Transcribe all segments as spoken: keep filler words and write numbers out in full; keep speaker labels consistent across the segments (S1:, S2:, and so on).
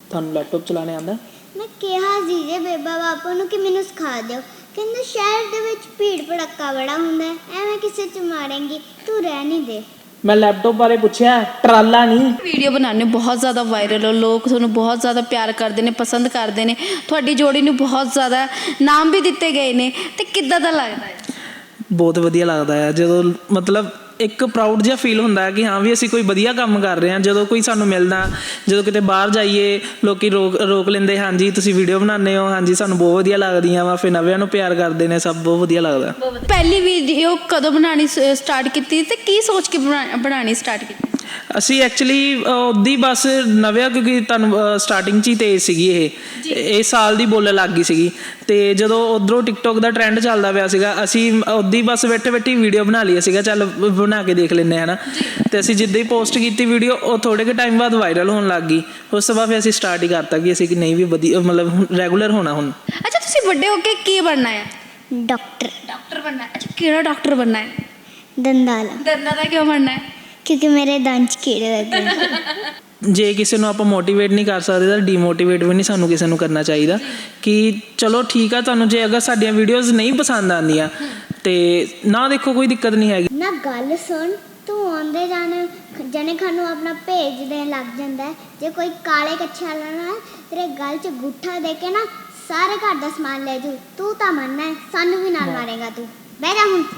S1: ਤੁਹਾਨੂੰ ਲੈਪਟਾਪ ਚਲਾਉਣੇ ਆਉਂਦਾ?
S2: ਮੈਂ ਕਿਹਾ ਸੀ ਜੇ ਬੇਬਾ ਬਾਪੂ ਨੂੰ ਕਿ ਮੈਨੂੰ ਸਿਖਾ ਦਿਓ, ਕਹਿੰਦੇ ਸ਼ਹਿਰ ਦੇ ਵਿੱਚ ਭੀੜ ਭੜੱਕਾ ਬੜਾ ਹੁੰਦਾ, ਐਵੇਂ ਕਿਸੇ 'ਚ ਮਾਰੇਂਗੀ, ਤੂੰ ਰਹਿ ਨਹੀਂ ਦੇ।
S1: ਮੈਂ ਲੈਪਟਾਪ ਬਾਰੇ ਪੁੱਛਿਆ, ਟਰਾਲਾ ਨਹੀਂ।
S3: ਵੀਡੀਓ ਬਣਾਉਂਦੇ ਬਹੁਤ ਜ਼ਿਆਦਾ ਵਾਇਰਲ ਹੋ, ਲੋਕ ਤੁਹਾਨੂੰ ਬਹੁਤ ਜ਼ਿਆਦਾ ਪਿਆਰ ਕਰਦੇ ਨੇ, ਪਸੰਦ ਕਰਦੇ ਨੇ, ਤੁਹਾਡੀ ਜੋੜੀ ਨੂੰ ਬਹੁਤ ਜ਼ਿਆਦਾ ਨਾਮ ਵੀ ਦਿੱਤੇ ਗਏ ਨੇ, ਤੇ ਕਿੱਦਾਂ ਦਾ ਲੱਗਦਾ ਹੈ?
S1: ਬਹੁਤ ਵਧੀਆ ਲੱਗਦਾ ਹੈ ਜਦੋਂ ਮਤਲਬ ਇੱਕ ਪ੍ਰਾਊਡ ਜਿਹਾ ਫੀਲ ਹੁੰਦਾ ਹੈ ਕਿ ਹਾਂ ਵੀ ਅਸੀਂ ਕੋਈ ਵਧੀਆ ਕੰਮ ਕਰ ਰਹੇ ਹਾਂ। ਜਦੋਂ ਕੋਈ ਸਾਨੂੰ ਮਿਲਦਾ, ਜਦੋਂ ਕਿਤੇ ਬਾਹਰ ਜਾਈਏ ਲੋਕ ਰੋਕ ਰੋਕ ਲੈਂਦੇ, ਹਾਂਜੀ ਤੁਸੀਂ ਵੀਡੀਓ ਬਣਾਉਂਦੇ ਹੋ, ਹਾਂਜੀ ਸਾਨੂੰ ਬਹੁਤ ਵਧੀਆ ਲੱਗਦੀਆਂ ਵਾ, ਫਿਰ ਨਵਿਆਂ ਨੂੰ ਪਿਆਰ ਕਰਦੇ ਨੇ, ਸਭ ਬਹੁਤ ਵਧੀਆ ਲੱਗਦਾ।
S3: ਪਹਿਲੀ ਵੀਡੀਓ ਕਦੋਂ ਬਣਾਉਣੀ ਸਟਾਰਟ ਕੀਤੀ ਤੇ ਕੀ ਸੋਚ ਕੇ ਬਣਾ ਬਣਾਉਣੀ ਸਟਾਰਟ ਕੀਤੀ?
S1: ਅਸੀਂ ਐਕਚੁਅਲੀ ਉੱਦੀ ਬਸ ਨਵਿਆਂ, ਕਿਉਂਕਿ ਤੁਹਾਨੂੰ ਸਟਾਰਟਿੰਗ 'ਚ ਹੀ ਤੇਜ਼ ਸੀਗੀ ਇਹ ਇਹ ਸਾਲ ਦੀ ਬੋਲਣ ਲੱਗ ਗਈ ਸੀਗੀ, ਅਤੇ ਜਦੋਂ ਉੱਧਰੋਂ ਟਿਕਟੋਕ ਦਾ ਟਰੈਂਡ ਚੱਲਦਾ ਪਿਆ ਸੀਗਾ, ਅਸੀਂ ਉੱਦੀ ਬਸ ਬੈਠੇ ਬੈਠੀ ਵੀਡੀਓ ਬਣਾ ਲਈ ਸੀਗਾ, ਚੱਲ ਬਣਾ ਕੇ ਦੇਖ ਲੈਂਦੇ ਹੈ ਨਾ। ਅਤੇ ਅਸੀਂ ਜਿੱਦਾਂ ਹੀ ਪੋਸਟ ਕੀਤੀ ਵੀਡੀਓ, ਉਹ ਥੋੜ੍ਹੇ ਕੁ ਟਾਈਮ ਬਾਅਦ ਵਾਇਰਲ ਹੋਣ ਲੱਗ ਗਈ। ਉਸ ਤੋਂ ਬਾਅਦ ਫਿਰ ਅਸੀਂ ਸਟਾਰਟ ਹੀ ਕਰਤਾ ਕਿ ਅਸੀਂ ਕਿ ਨਹੀਂ ਵੀ ਵਧੀਆ ਮਤਲਬ ਰੈਗੂਲਰ ਹੋਣਾ ਹੁਣ।
S3: ਅੱਛਾ, ਤੁਸੀਂ ਵੱਡੇ ਹੋ ਕੇ ਕੀ ਬਣਨਾ ਹੈ?
S2: ਡਾਕਟਰ।
S3: ਡਾਕਟਰ ਬਣਨਾ ਹੈ? ਅੱਛਾ, ਕਿਹੜਾ ਡਾਕਟਰ ਬਣਨਾ ਹੈ?
S2: ਦੰਦਾਂ ਵਾਲਾ।
S3: ਦੰਦਾਂ ਦਾ ਕਿਉਂ ਬਣਨਾ ਹੈ?
S2: ਕਿਉਂਕਿ ਮੇਰੇ ਦੰਦ 'ਚ ਕੀੜੇ ਲੱਗੇ ਨੇ।
S1: ਜੇ ਕਿਸੇ ਨੂੰ ਆਪਾਂ ਮੋਟੀਵੇਟ ਨਹੀਂ ਕਰ ਸਕਦੇ ਤਾਂ ਡੀਮੋਟੀਵੇਟ ਵੀ ਨਹੀਂ ਸਾਨੂੰ ਕਿਸੇ ਨੂੰ ਕਰਨਾ ਚਾਹੀਦਾ। ਕਿ ਚਲੋ ਠੀਕ ਆ, ਤੁਹਾਨੂੰ ਜੇ ਅਗਰ ਸਾਡੀਆਂ ਵੀਡੀਓਜ਼ ਨਹੀਂ ਪਸੰਦ ਆਉਂਦੀਆਂ ਤੇ ਨਾ ਦੇਖੋ, ਕੋਈ ਦਿੱਕਤ ਨਹੀਂ ਹੈਗੀ
S2: ਨਾ। ਗੱਲ ਸੁਣ, ਤੂੰ ਆਉਂਦੇ ਜਾਣੇ ਜਣੇ ਖਾਨ ਨੂੰ ਆਪਣਾ ਭੇਜ ਦੇਣ ਲੱਗ ਜਾਂਦਾ। ਜੇ ਕੋਈ ਕਾਲੇ ਕੱਛੇ ਵਾਲਾ ਨਾ ਤੇਰੇ ਗਲ 'ਚ ਗੁੱਠਾ ਦੇ ਕੇ ਨਾ ਸਾਰੇ ਘਰ ਦਾ ਸਮਾਨ ਲੈ ਜੂ, ਤੂੰ ਤਾਂ ਮੰਨਣਾ, ਸਾਨੂੰ ਵੀ ਨਾਲ ਮਾਰੇਗਾ ਤੂੰ। ਬਹਿ ਜਾ ਹੁਣ।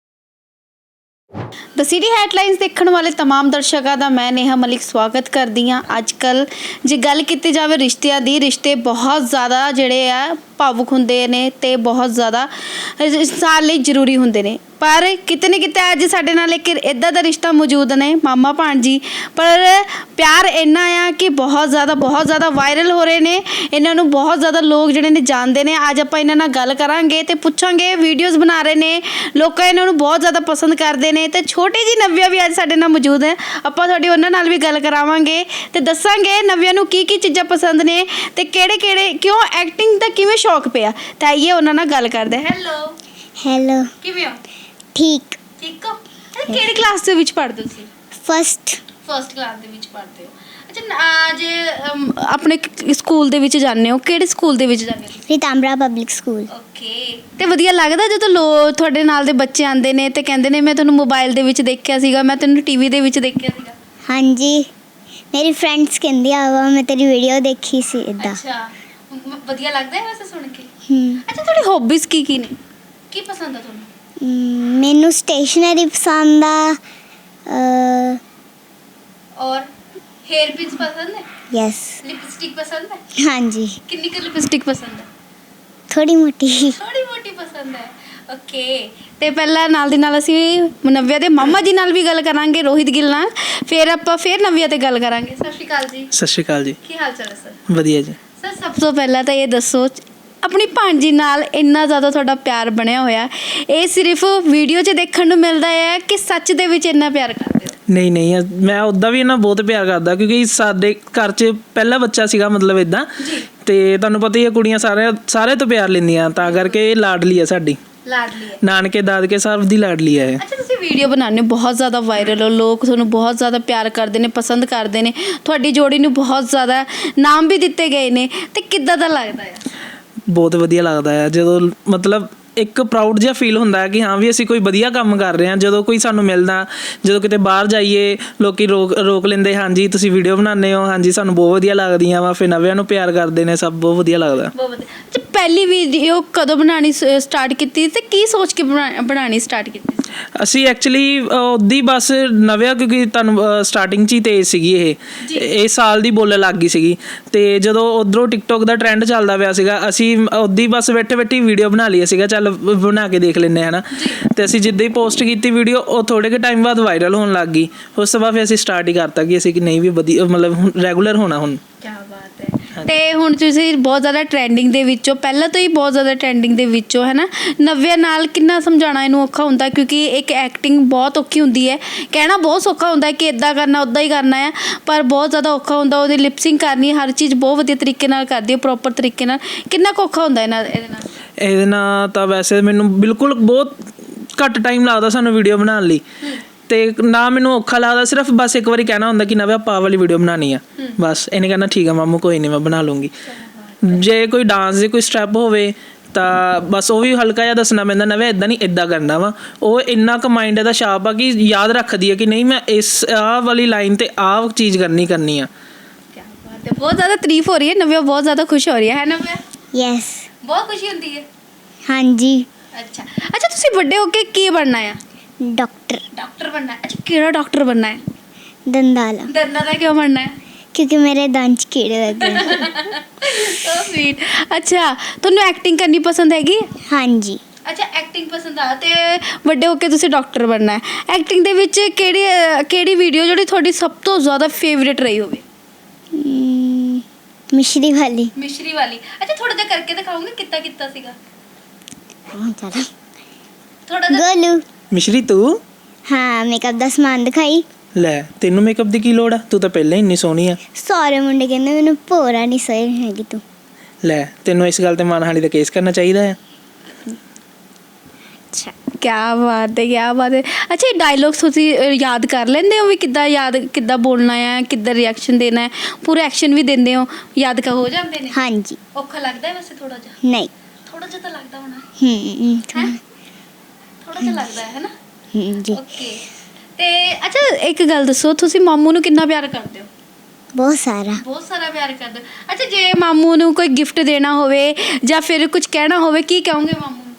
S3: ਦ ਸਿਟੀ ਹੈਡਲਾਈਨਸ ਦੇਖਣ ਵਾਲੇ तमाम ਦਰਸ਼ਕਾਂ ਦਾ ਮੈਂ ਨੇਹਾ ਮਲਿਕ ਸਵਾਗਤ ਕਰਦੀ ਹਾਂ। ਅੱਜ ਕੱਲ੍ਹ ਜੇ ਗੱਲ ਕੀਤੀ ਜਾਵੇ ਰਿਸ਼ਤਿਆਂ ਦੀ, ਰਿਸ਼ਤੇ ਬਹੁਤ ਜ਼ਿਆਦਾ ਜਿਹੜੇ ਆ ਭਾਵੁਕ ਹੁੰਦੇ ਨੇ ਅਤੇ ਬਹੁਤ ਜ਼ਿਆਦਾ ਇਨਸਾਨ ਲਈ ਜ਼ਰੂਰੀ ਹੁੰਦੇ ਨੇ। ਪਰ ਕਿਤੇ ਨਾ ਕਿਤੇ ਅੱਜ ਸਾਡੇ ਨਾਲ ਇੱਕ ਇੱਦਾਂ ਦਾ ਰਿਸ਼ਤਾ ਮੌਜੂਦ ਨੇ, ਮਾਮਾ ਭਾਣਜੀ। ਪਰ ਪਿਆਰ ਇੰਨਾ ਆ ਕਿ ਬਹੁਤ ਜ਼ਿਆਦਾ ਬਹੁਤ ਜ਼ਿਆਦਾ ਵਾਇਰਲ ਹੋ ਰਹੇ ਨੇ, ਇਹਨਾਂ ਨੂੰ ਬਹੁਤ ਜ਼ਿਆਦਾ ਲੋਕ ਜਿਹੜੇ ਨੇ ਜਾਣਦੇ ਨੇ। ਅੱਜ ਆਪਾਂ ਇਹਨਾਂ ਨਾਲ ਗੱਲ ਕਰਾਂਗੇ ਅਤੇ ਪੁੱਛਾਂਗੇ, ਵੀਡੀਓਜ਼ ਬਣਾ ਰਹੇ ਨੇ, ਲੋਕ ਇਹਨਾਂ ਨੂੰ ਬਹੁਤ ਜ਼ਿਆਦਾ ਪਸੰਦ ਕਰਦੇ ਨੇ। ਅਤੇ ਛੋਟੀ ਜਿਹੀ ਨਵਿਆ ਵੀ ਅੱਜ ਸਾਡੇ ਨਾਲ ਮੌਜੂਦ ਹੈ, ਆਪਾਂ ਤੁਹਾਡੀ ਉਹਨਾਂ ਨਾਲ ਵੀ ਗੱਲ ਕਰਾਵਾਂਗੇ ਅਤੇ ਦੱਸਾਂਗੇ ਨਵਿਆਂ ਨੂੰ ਕੀ ਕੀ ਚੀਜ਼ਾਂ ਪਸੰਦ ਨੇ ਅਤੇ ਕਿਹੜੇ ਕਿਹੜੇ ਕਿਉਂ ਐਕਟਿੰਗ ਦਾ ਕਿਵੇਂ ਸ਼ੌਕ ਪਿਆ। ਤਾਂ ਆਈਏ ਉਹਨਾਂ ਨਾਲ ਗੱਲ ਕਰਦੇ। ਹੈਲੋ।
S2: ਹੈਲੋ।
S3: ਕਿਵੇਂ ਹੋ?
S2: ਠੀਕ।
S3: ਠੀਕ ਹੋ? ਕਿਹੜੀ ਕਲਾਸ ਦੇ ਵਿੱਚ ਪੜ੍ਹਦੇ ਹੋ ਤੁਸੀਂ?
S2: ਫਸਟ।
S3: ਫਸਟ ਕਲਾਸ ਦੇ ਵਿੱਚ ਪੜ੍ਹਦੇ ਹੋ। ਅੱਛਾ, ਜੇ ਆਪਣੇ ਸਕੂਲ ਦੇ ਵਿੱਚ ਜਾਂਦੇ ਹੋ, ਕਿਹੜੇ ਸਕੂਲ ਦੇ ਵਿੱਚ ਜਾਂਦੇ ਹੋ?
S2: Ritambara public school.
S3: ਓਕੇ। ਅਤੇ ਵਧੀਆ ਲੱਗਦਾ ਜਦੋਂ ਲੋ ਤੁਹਾਡੇ ਨਾਲ ਦੇ ਬੱਚੇ ਆਉਂਦੇ ਨੇ ਅਤੇ ਕਹਿੰਦੇ ਨੇ ਮੈਂ ਤੁਹਾਨੂੰ ਮੋਬਾਈਲ ਦੇ ਵਿੱਚ ਦੇਖਿਆ ਸੀਗਾ, ਮੈਂ ਤੈਨੂੰ ਟੀ ਵੀ ਦੇ ਵਿੱਚ ਦੇਖਿਆ ਸੀਗਾ?
S2: ਹਾਂਜੀ, ਮੇਰੀ ਫਰੈਂਡਸ ਕਹਿੰਦੀਆਂ ਵਾ ਮੈਂ ਤੇਰੀ ਵੀਡੀਓ ਦੇਖੀ ਸੀ ਇੱਦਾਂ।
S3: ਅੱਛਾ, ਵਧੀਆ ਲੱਗਦਾ ਹੈ ਵੈਸੇ ਸੁਣ ਕੇ।
S2: ਹੂੰ।
S3: ਅੱਛਾ, ਤੁਹਾਡੀ ਹੌਬੀਜ਼ ਕੀ ਕੀ ਨੇ? ਕੀ ਪਸੰਦ ਆ ਤੁਹਾਨੂੰ?
S2: ਮੈਨੂੰ ਸਟੇਸ਼ਨਰੀ ਪਸੰਦ ਆ।
S3: ਔਰ ਹੇਅਰ ਪਿੰਸ ਪਸੰਦ ਹੈ?
S2: ਯੈਸ।
S3: ਲਿਪਸਟਿਕ ਪਸੰਦ ਹੈ?
S2: ਹਾਂਜੀ।
S3: ਕਿੰਨੀ ਕੁ ਲਿਪਸਟਿਕ ਪਸੰਦ ਹੈ?
S2: ਥੋੜੀ ਮੋਟੀ।
S3: ਥੋੜੀ ਮੋਟੀ ਪਸੰਦ ਹੈ। ਓਕੇ। ਤੇ ਪਹਿਲਾਂ ਨਾਲ ਦੀ ਨਾਲ ਅਸੀਂ ਨਵਿਆ ਦੇ ਮਾਮਾ ਜੀ ਨਾਲ ਵੀ ਗੱਲ ਕਰਾਂਗੇ, ਰੋਹਿਤ ਗਿੱਲ ਨਾਲ। ਫਿਰ ਆਪਾਂ ਫਿਰ ਨਵਿਆ ਤੇ ਗੱਲ ਕਰਾਂਗੇ। ਸਤਿ ਸ਼੍ਰੀ ਅਕਾਲ ਜੀ।
S1: ਸਤਿ ਸ਼੍ਰੀ ਅਕਾਲ ਜੀ।
S3: ਕੀ ਹਾਲ ਚਾਲ ਹੈ ਸਰ?
S1: ਵਧੀਆ ਜੀ।
S3: ਸਰ, ਸਭ ਤੋਂ ਪਹਿਲਾਂ ਤਾਂ ਇਹ ਦੱਸੋ, ਆਪਣੀ ਭਾਣਜੀ ਨਾਲ ਇੰਨਾ ਜ਼ਿਆਦਾ ਤੁਹਾਡਾ ਪਿਆਰ ਬਣਿਆ ਹੋਇਆ, ਇਹ ਸਿਰਫ ਵੀਡੀਓ 'ਚ ਦੇਖਣ ਨੂੰ ਮਿਲਦਾ ਹੈ ਕਿ ਸੱਚ ਦੇ ਵਿੱਚ ਇੰਨਾ ਪਿਆਰ ਕਰਦੇ ਹੋ?
S1: ਨਹੀਂ ਨਹੀਂ, ਮੈਂ ਉੱਦਾਂ ਵੀ ਇਹਨਾਂ ਬਹੁਤ ਪਿਆਰ ਕਰਦਾ, ਕਿਉਂਕਿ ਸਾਡੇ ਘਰ 'ਚ ਪਹਿਲਾ ਬੱਚਾ ਸੀਗਾ ਮਤਲਬ ਇੱਦਾਂ। ਅਤੇ ਤੁਹਾਨੂੰ ਪਤਾ ਹੀ ਹੈ, ਕੁੜੀਆਂ ਸਾਰੇ ਸਾਰੇ ਤੋਂ ਪਿਆਰ ਲੈਂਦੀਆਂ, ਤਾਂ ਕਰਕੇ ਇਹ ਲਾਡਲੀ ਹੈ ਸਾਡੀ।
S3: ਲਾਡਲੀ ਹੈ?
S1: ਨਾਨਕੇ ਦਾਦਕੇ ਸਭ ਦੀ ਲਾਡਲੀ ਹੈ ਇਹ।
S3: ਅੱਛਾ, ਤੁਸੀਂ ਵੀਡੀਓ ਬਣਾਉਂਦੇ ਬਹੁਤ ਜ਼ਿਆਦਾ ਵਾਇਰਲ ਹੋ, ਲੋਕ ਤੁਹਾਨੂੰ ਬਹੁਤ ਜ਼ਿਆਦਾ ਪਿਆਰ ਕਰਦੇ ਨੇ, ਪਸੰਦ ਕਰਦੇ ਨੇ, ਤੁਹਾਡੀ ਜੋੜੀ ਨੂੰ ਬਹੁਤ ਜ਼ਿਆਦਾ ਨਾਮ ਵੀ ਦਿੱਤੇ ਗਏ ਨੇ, ਅਤੇ ਕਿੱਦਾਂ ਦਾ ਲੱਗਦਾ ਹੈ?
S1: ਬਹੁਤ ਵਧੀਆ ਲੱਗਦਾ ਹੈ ਜਦੋਂ ਮਤਲਬ ਇੱਕ ਪ੍ਰਾਊਡ ਜਿਹਾ ਫੀਲ ਹੁੰਦਾ ਹੈ ਕਿ ਹਾਂ ਵੀ ਅਸੀਂ ਕੋਈ ਵਧੀਆ ਕੰਮ ਕਰ ਰਹੇ ਹਾਂ। ਜਦੋਂ ਕੋਈ ਸਾਨੂੰ ਮਿਲਦਾ, ਜਦੋਂ ਕਿਤੇ ਬਾਹਰ ਜਾਈਏ ਲੋਕ ਰੋਕ ਰੋਕ ਲੈਂਦੇ, ਹਾਂਜੀ ਤੁਸੀਂ ਵੀਡੀਓ ਬਣਾਉਂਦੇ ਹੋ, ਹਾਂਜੀ ਸਾਨੂੰ ਬਹੁਤ ਵਧੀਆ ਲੱਗਦੀਆਂ ਵਾ, ਫਿਰ ਨਵਿਆਂ ਨੂੰ ਪਿਆਰ ਕਰਦੇ ਨੇ, ਸਭ ਬਹੁਤ ਵਧੀਆ ਲੱਗਦਾ।
S3: ਬਹੁਤ ਵਧੀਆ। ਅੱਛਾ, ਪਹਿਲੀ ਵੀਡੀਓ ਕਦੋਂ ਬਣਾਉਣੀ ਸਟਾਰਟ ਕੀਤੀ ਅਤੇ ਕੀ ਸੋਚ ਕੇ ਬਣਾ ਬਣਾਉਣੀ ਸਟਾਰਟ ਕੀਤੀ?
S1: ਅਸੀਂ ਐਕਚੁਅਲੀ ਉੱਦੀ ਬਸ ਨਵਿਆਂ, ਕਿਉਂਕਿ ਤੁਹਾਨੂੰ ਸਟਾਰਟਿੰਗ 'ਚ ਹੀ ਤੇਜ਼ ਸੀਗੀ ਇਹ ਇਹ ਸਾਲ ਦੀ ਬੋਲਣ ਲੱਗ ਗਈ ਸੀਗੀ, ਅਤੇ ਜਦੋਂ ਉੱਧਰੋਂ ਟਿਕਟੋਕ ਦਾ ਟਰੈਂਡ ਚੱਲਦਾ ਪਿਆ ਸੀਗਾ, ਅਸੀਂ ਉੱਦੀ ਬਸ ਬੈਠੇ ਬੈਠੀ ਵੀਡੀਓ ਬਣਾ ਲਈ ਸੀਗਾ, ਚੱਲ ਬਣਾ ਕੇ ਦੇਖ ਲੈਂਦੇ ਹੈ ਨਾ। ਅਤੇ ਅਸੀਂ ਜਿੱਦਾਂ ਹੀ ਪੋਸਟ ਕੀਤੀ ਵੀਡੀਓ, ਉਹ ਥੋੜ੍ਹੇ ਕੁ ਟਾਈਮ ਬਾਅਦ ਵਾਇਰਲ ਹੋਣ ਲੱਗ ਗਈ। ਉਸ ਤੋਂ ਬਾਅਦ ਫਿਰ ਅਸੀਂ ਸਟਾਰਟ ਹੀ ਕਰਤਾ ਕਿ ਅਸੀਂ ਕਿ ਨਹੀਂ ਵੀ ਵਧੀਆ ਮਤਲਬ ਰੈਗੂਲਰ ਹੋਣਾ ਹੁਣ।
S3: ਕਿਆ ਬਾਤ ਹੈ। ਅਤੇ ਹੁਣ ਤੁਸੀਂ ਬਹੁਤ ਜ਼ਿਆਦਾ ਟਰੈਂਡਿੰਗ ਦੇ ਵਿੱਚੋਂ, ਪਹਿਲਾਂ ਤੋਂ ਹੀ ਬਹੁਤ ਜ਼ਿਆਦਾ ਟਰੈਂਡਿੰਗ ਦੇ ਵਿੱਚੋਂ, ਹੈ ਨਾ। ਨਵਿਆਂ ਨਾਲ ਕਿੰਨਾ ਸਮਝਾਉਣਾ ਇਹਨੂੰ ਔਖਾ ਹੁੰਦਾ, ਕਿਉਂਕਿ ਇੱਕ ਐਕਟਿੰਗ ਬਹੁਤ ਔਖੀ ਹੁੰਦੀ ਹੈ। ਕਹਿਣਾ ਬਹੁਤ ਸੌਖਾ ਹੁੰਦਾ ਕਿ ਇੱਦਾਂ ਕਰਨਾ ਉੱਦਾਂ ਹੀ ਕਰਨਾ ਹੈ, ਪਰ ਬਹੁਤ ਜ਼ਿਆਦਾ ਔਖਾ ਹੁੰਦਾ। ਉਹਦੀ ਲਿਪਸਿੰਗ ਕਰਨੀ, ਹਰ ਚੀਜ਼ ਬਹੁਤ ਵਧੀਆ ਤਰੀਕੇ ਨਾਲ ਕਰਦੀ ਹੈ, ਪ੍ਰੋਪਰ ਤਰੀਕੇ ਨਾਲ। ਕਿੰਨਾ ਕੁ ਔਖਾ ਹੁੰਦਾ ਇਹਨਾਂ ਇਹਦੇ ਨਾਲ? ਇਹਦੇ
S1: ਨਾਲ ਤਾਂ ਵੈਸੇ ਮੈਨੂੰ ਬਿਲਕੁਲ ਬਹੁਤ ਘੱਟ ਟਾਈਮ ਲੱਗਦਾ ਸਾਨੂੰ ਵੀਡੀਓ ਬਣਾਉਣ ਲਈ। ਤੇ ਨਾ ਮੈਨੂੰ ਔਖਾ ਲੱਗਦਾ, ਸਿਰਫ ਬਸ ਇੱਕ ਵਾਰੀ ਕਹਿਣਾ ਹੁੰਦਾ ਕਿ ਨਵੇਂ ਆਪਾਂ ਆਹ ਵਾਲੀ ਵੀਡੀਓ ਬਣਾਉਣੀ ਆ, ਬਸ ਇਹਨੇ ਕਹਿਣਾ ਠੀਕ ਆ ਮਾਮੂ ਕੋਈ ਨਹੀਂ ਮੈਂ ਬਣਾ ਲੂੰਗੀ। ਜੇ ਕੋਈ ਡਾਂਸ ਦੇ ਕੋਈ ਸਟੈਪ ਹੋਵੇ ਤਾਂ ਬਸ ਉਹ ਵੀ ਹਲਕਾ ਜਿਹਾ ਦੱਸਣਾ ਪੈਂਦਾ, ਨਵੇਂ ਇੱਦਾਂ ਨਹੀਂ ਇੱਦਾਂ ਕਰਨਾ ਵਾ। ਉਹ ਇੰਨਾ ਕੁ ਮਾਈਂਡ ਦਾ ਸ਼ਾਰਪ ਆ ਕਿ ਯਾਦ ਰੱਖਦੀ ਹੈ ਕਿ ਨਹੀਂ ਮੈਂ ਇਸ ਆਹ ਵਾਲੀ ਲਾਈਨ ਤੇ ਆਹ ਚੀਜ਼ ਕਰਨੀ ਕਰਨੀ ਆ।
S3: ਕਿਆ ਬਾਤ ਹੈ, ਬਹੁਤ ਜ਼ਿਆਦਾ ਤਾਰੀਫ ਹੋ ਰਹੀ ਹੈ, ਨਵਿਆ ਬਹੁਤ ਜ਼ਿਆਦਾ ਖੁਸ਼ ਹੋ ਰਹੀ ਹੈ ਹੈ ਨਵਿਆ?
S2: ਯੈਸ।
S3: ਬਹੁਤ ਖੁਸ਼ੀ ਹੁੰਦੀ ਹੈ।
S2: ਹਾਂਜੀ।
S3: ਅੱਛਾ ਅੱਛਾ, ਤੁਸੀਂ ਵੱਡੇ ਹੋ ਕੇ ਕੀ ਬਣਨਾ ਹੈ?
S2: ਡਾਕਟਰ।
S3: ਡਾਕਟਰ ਬਣਨਾ ਹੈ। ਅੱਛਾ, ਕਿਹੜਾ ਡਾਕਟਰ ਬਣਨਾ ਹੈ?
S2: ਦੰਦਾਲਾ।
S3: ਦੰਦਾਂ ਦਾ ਕਿਉਂ ਬਣਨਾ ਹੈ?
S2: ਕਿਉਂਕਿ ਮੇਰੇ ਦੰਦ 'ਚ ਕੀੜੇ ਲੱਗੇ ਨੇ।
S3: So sweet. ਅੱਛਾ, ਤੁਹਾਨੂੰ ਐਕਟਿੰਗ ਕਰਨੀ ਪਸੰਦ ਹੈਗੀ?
S2: ਹਾਂਜੀ।
S3: ਅੱਛਾ, ਐਕਟਿੰਗ ਪਸੰਦ ਆ ਤੇ ਵੱਡੇ ਹੋ ਕੇ ਤੁਸੀਂ ਡਾਕਟਰ ਬਣਨਾ ਹੈ। ਐਕਟਿੰਗ ਦੇ ਵਿੱਚ ਕਿਹੜੀ ਅਹ, ਕਿਹੜੀ ਵੀਡੀਓ ਜਿਹੜੀ ਤੁਹਾਡੀ ਸਭ ਤੋਂ ਜ਼ਿਆਦਾ ਫੇਵਰੇਟ ਰਹੀ ਹੋਵੇ?
S2: ਹਮ, ਮਿਸ਼ਰੀ ਵਾਲੀ।
S3: ਮਿਸ਼ਰੀ ਵਾਲੀ। ਅੱਛਾ, ਥੋੜਾ ਜਿਹਾ ਕਰਕੇ ਦਿਖਾਓਗੇ ਕਿੱਦਾਂ ਕੀਤਾ ਸੀਗਾ?
S2: ਚਲੋ।
S3: ਥੋੜਾ ਜਿਹਾ।
S2: ਗੋਲੂ।
S1: ਮਿਸ਼ਰੀ ਤੂੰ
S2: ਹਾਂ, ਮੇਕਅਪ ਦਾ ਸਮਾਨ ਦਿਖਾਈ।
S1: ਲੈ ਤੈਨੂੰ ਮੇਕਅਪ ਦੀ ਕੀ ਲੋੜ ਆ, ਤੂੰ ਤਾਂ ਪਹਿਲਾਂ ਹੀ ਇੰਨੀ ਸੋਹਣੀ ਆ।
S2: ਸਾਰੇ ਮੁੰਡੇ ਕਹਿੰਦੇ ਮੈਨੂੰ ਭੋਰਾ ਨਹੀਂ ਸਹੀ ਹੈਗੀ ਤੂੰ।
S1: ਲੈ ਤੈਨੂੰ ਇਸ ਗੱਲ ਤੇ ਮਾਨਹਾਨੀ ਦਾ ਕੇਸ ਕਰਨਾ ਚਾਹੀਦਾ ਆ।
S3: ਅੱਛਾ, ਕਿਆ ਬਾਤ ਹੈ ਕਿਆ ਬਾਤ ਹੈ। ਅੱਛਾ, ਇਹ ਡਾਇਲੌਗਸ ਤੁਸੀਂ ਅਹ, ਯਾਦ ਕਰ ਲੈਂਦੇ ਹੋ ਵੀ ਕਿੱਦਾਂ ਯਾਦ ਕਿੱਦਾਂ ਬੋਲਣਾ ਹੈ, ਕਿੱਦਾਂ ਰਿਐਕਸ਼ਨ ਦੇਣਾ ਹੈ, ਪੂਰੇ ਐਕਸ਼ਨ ਵੀ ਦਿੰਦੇ ਹੋ, ਯਾਦ ਕਾ ਹੋ ਜਾਂਦੇ ਨੇ?
S2: ਹਾਂਜੀ।
S3: ਔਖਾ ਲੱਗਦਾ ਹੈ ਵੈਸੇ ਥੋੜਾ ਜਿਹਾ?
S2: ਨਹੀਂ।
S3: ਥੋੜਾ ਜਿਹਾ ਤਾਂ ਲੱਗਦਾ ਹੋਣਾ।
S2: ਹਮ
S3: ਹੈ ਥੋੜਾ ਜਿਹਾ ਲੱਗਦਾ ਹੈ ਨਾ?
S2: ਹਮ ਜੀ।
S3: ਓਕੇ। ਤੇ ਅੱਛਾ, ਇੱਕ ਗੱਲ ਦੱਸੋ, ਤੁਸੀਂ ਮਾਮੂ ਨੂੰ ਕਿੰਨਾ ਪਿਆਰ ਕਰਦੇ ਹੋ?
S2: ਬਹੁਤ ਸਾਰਾ।
S3: ਬਹੁਤ ਸਾਰਾ ਪਿਆਰ ਕਰਦੇ ਹੋ। ਅੱਛਾ, ਜੇ ਮਾਮੂ ਨੂੰ ਕੋਈ ਗਿਫਟ ਦੇਣਾ ਹੋਵੇ ਜਾਂ ਫਿਰ ਕੁਝ ਕਹਿਣਾ ਹੋਵੇ, ਕੀ ਕਹੋਗੇ ਮਾਮੂ ਨੂੰ?